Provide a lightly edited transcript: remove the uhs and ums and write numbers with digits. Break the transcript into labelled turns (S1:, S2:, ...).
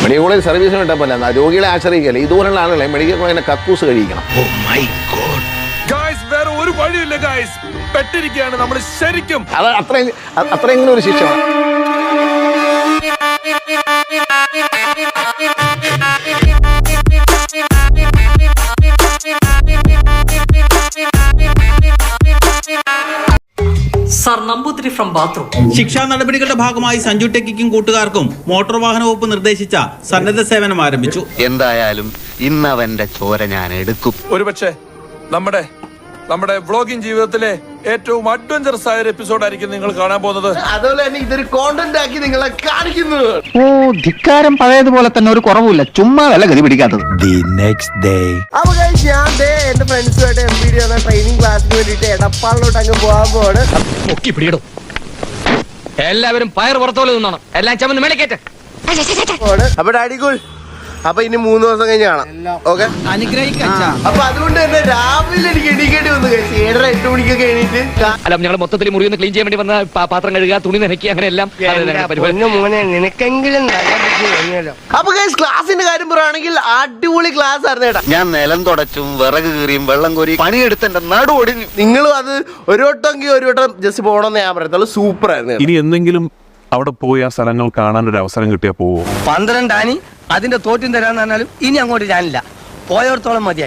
S1: Medical college സർവീസിന് വിട്ടാൽ പോലെ രോഗികളെ ആശ്രയിക്കല്ലേ. ഇതുപോലുള്ള ആളുകളെ മെഡിക്കൽ കോളേജിനെ കക്കൂസ് കഴിക്കണം.
S2: വേറെ ഒരു വഴിയില്ല ഗൈസ്, പെട്ടിരിക്കുകയാണ് നമ്മൾ ശരിക്കും.
S1: അത് അത്രയെങ്കിലും ഒരു ശിക്ഷ.
S3: ശിക്ഷാ നടപടികളുടെ ഭാഗമായി സഞ്ജു ടെക്കിക്കും കൂട്ടുകാർക്കും മോട്ടോർ വാഹന വകുപ്പ് നിർദ്ദേശിച്ച സന്നദ്ധ സേവനം ആരംഭിച്ചു.
S4: എന്തായാലും ഇന്ന് അവന്റെ ചോര ഞാൻ എടുക്കും.
S2: ഒരുപക്ഷെ നമ്മുടെ വ്ളോഗിംഗ് ജീവിതത്തിലെ ഏറ്റവും അഡ്വഞ്ചറസ് ആയ ഒരു എപ്പിസോഡായിരിക്കും നിങ്ങൾ കാണാൻ പോകുന്നത്.
S1: അതുപോലെ തന്നെ ഇതൊരു കോണ്ടന്റ് ആക്കി നിങ്ങളെ കാണിക്കുന്നു.
S5: ധിക്കാരം പഴയതുപോലെ തന്നെ ഒരു കുറവുമില്ല, ചുമ്മാ വല്ല ഗതി പിടിക്കാത്തത്.
S6: അപ്പൊ ഞാൻ എന്റെ ഫ്രണ്ട്സുമായിട്ട് MPD എന്ന ട്രെയിനിങ് ക്ലാസ്സിന് വേണ്ടിട്ട് എടപ്പാളിലോട്ട് അങ്ങ് പോകാൻ പോവാണ്.
S7: എല്ലാവരും പയർ പുറത്തോലെ നിന്നോണം, എല്ലാം ചമന്ന് മേളിക്കേറ്റ്.
S6: അപ്പൊ ഡാഡിക്കുൾ, അപ്പൊ ഇനി 3 ദിവസം കഴിഞ്ഞ് കാണാം. ഓക്കെ, അപ്പൊ അതുകൊണ്ട് തന്നെ രാവിലെ എനിക്ക് എണീക്കേണ്ടി വന്നു. 7:30-8 മണിക്കൊക്കെ എണീറ്റ്
S7: അല്ല, ഞങ്ങൾ മൊത്തത്തിൽ മുറി ഒന്ന് ക്ലീൻ ചെയ്യാൻ വേണ്ടി വന്ന പാത്രം കഴുകുക, തുണി നനയ്ക്കുക, അങ്ങനെ എല്ലാം.
S6: മോനെ നിനക്കെങ്കിലും നല്ല ബുദ്ധി കഴിഞ്ഞല്ലോ. അപ്പൊ ക്ലാസിന്റെ കാര്യം പറയുകയാണെങ്കിൽ അടിപൊളി ക്ലാസ് ആയിരുന്നു കേട്ടാ.
S4: ഞാൻ നിലം തുടച്ചും വിറക് കീറിയും വെള്ളം കോരി പണിയെടുത്ത് എന്റെ നടു ഒടിഞ്ഞു.
S6: നിങ്ങളും അത് ഒരു വട്ടം ജസ്റ്റ് പോകണമെന്ന് ഞാൻ പറയത്തുള്ളൂ. സൂപ്പർ ആയിരുന്നു.
S8: ഇനി എന്തെങ്കിലും അവിടെ പോയി ആ സ്ഥലങ്ങൾ കാണാൻ ഒരു അവസരം കിട്ടിയാൽ പോവോ?
S9: 12 ആനി അതിന്റെ തോറ്റും തരാന്ന് പറഞ്ഞാലും ഇനി അങ്ങോട്ട് ഞാനില്ല, പോയോടത്തോളം മതിയായി.